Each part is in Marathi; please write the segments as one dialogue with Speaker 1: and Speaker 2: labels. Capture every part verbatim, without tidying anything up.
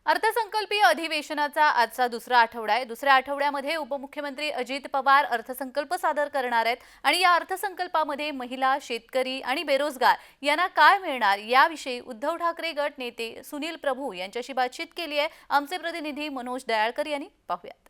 Speaker 1: अर्थसंकल्पीय अधिवेशनाचा आजचा दुसरा आठवडा आहे। दुसऱ्या आठवड्यामध्ये उपमुख्यमंत्री अजित पवार अर्थसंकल्प सादर करणार आहेत आणि या अर्थसंकल्पामध्ये महिला, शेतकरी आणि बेरोजगार यांना काय मिळणार याविषयी उद्धव ठाकरे गट नेते सुनील प्रभू यांच्याशी बातचीत केली आहे। आमचे प्रतिनिधी मनोज दयाळकर यांनी पाहूयात।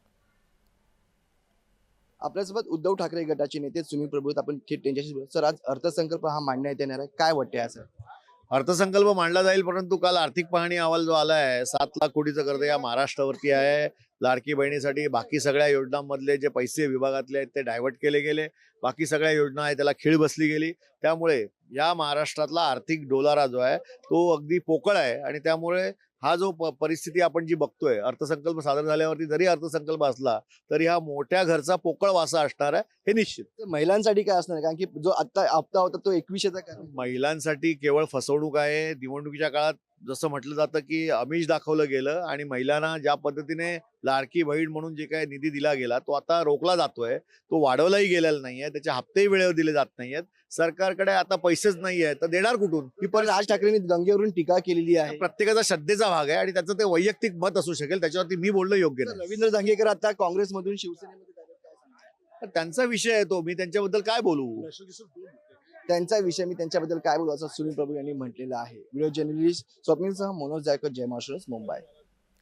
Speaker 2: आपल्यासोबत उद्धव ठाकरे गटाचे नेते सुनील प्रभू आहेत। आपण थेट त्यांच्याशी बोलू। सर, आज अर्थसंकल्प हा मांडण्यात येणार आहे, काय वाटते आहे सर?
Speaker 3: अर्थसंकल्प मांडला जाईल, परंतु काल आर्थिक पाहणी अहवाल जो आला आहे, सात लाख कोटीचं कर्ज या महाराष्ट्रावरती आहे। लाडकी बहिणीसाठी बाकी सगळ्या योजनांमधले जे पैसे विभागातले आहेत ते डायव्हर्ट केले गेले, बाकी सगळ्या योजना आहेत त्याला खीळ बसली गेली। त्यामुळे या महाराष्ट्रातला आर्थिक डोलारा जो आहे तो अगदी पोकळ आहे आणि त्यामुळे हा जो प- परिस्थिती आपण जी बघतोय, अर्थसंकल्प सादर झाल्यावरती जरी अर्थसंकल्प असला तरी हा मोठ्या घरचा पोकळ वासा असणार आहे, हे निश्चित।
Speaker 2: तर महिलांसाठी काय असणार आहे? कारण की जो आता हप्ता होता तो एकवीसशेचा काय?
Speaker 3: महिलांसाठी केवळ फसवणूक आहे। निवडणुकीच्या काळात जसं म्हटलं जातं की आमिष दाखवलं गेलं आणि महिलांना ज्या पद्धतीने लाडकी बहीण म्हणून जे काही निधी दिला गेला तो आता रोखला जातोय, तो वाढवलाही गेलेला नाहीये, त्याचे हप्तेही वेळेवर दिले जात नाहीयेत। सरकारकडे आता पैसेच नाहीये तर देणार कुठून? ही
Speaker 2: पण राज ठाकरेंनी गंगेवरून टीका केलेली आहे।
Speaker 3: प्रत्येकाचा श्रद्धेचा भाग आहे आणि त्याचं ते वैयक्तिक मत असू शकेल, त्याच्यावरती मी बोलणं योग्य
Speaker 2: तर
Speaker 3: नाही।
Speaker 2: रवींद्र धंगेकर आता काँग्रेसमधून शिवसेनेमध्ये जातात, काय सांगणार?
Speaker 3: तर त्यांचा विषय आहे तो, मी त्यांच्याबद्दल काय बोलू?
Speaker 2: त्यांचा विषय मी त्यांच्याबद्दल काय बोलू असं सुनील प्रभू यांनी म्हटलेलं आहे। व्हिडिओ जर्नलिस्ट स्वप्नीलसह मनोज जायकर, जय महाराष्ट्र, मुंबई।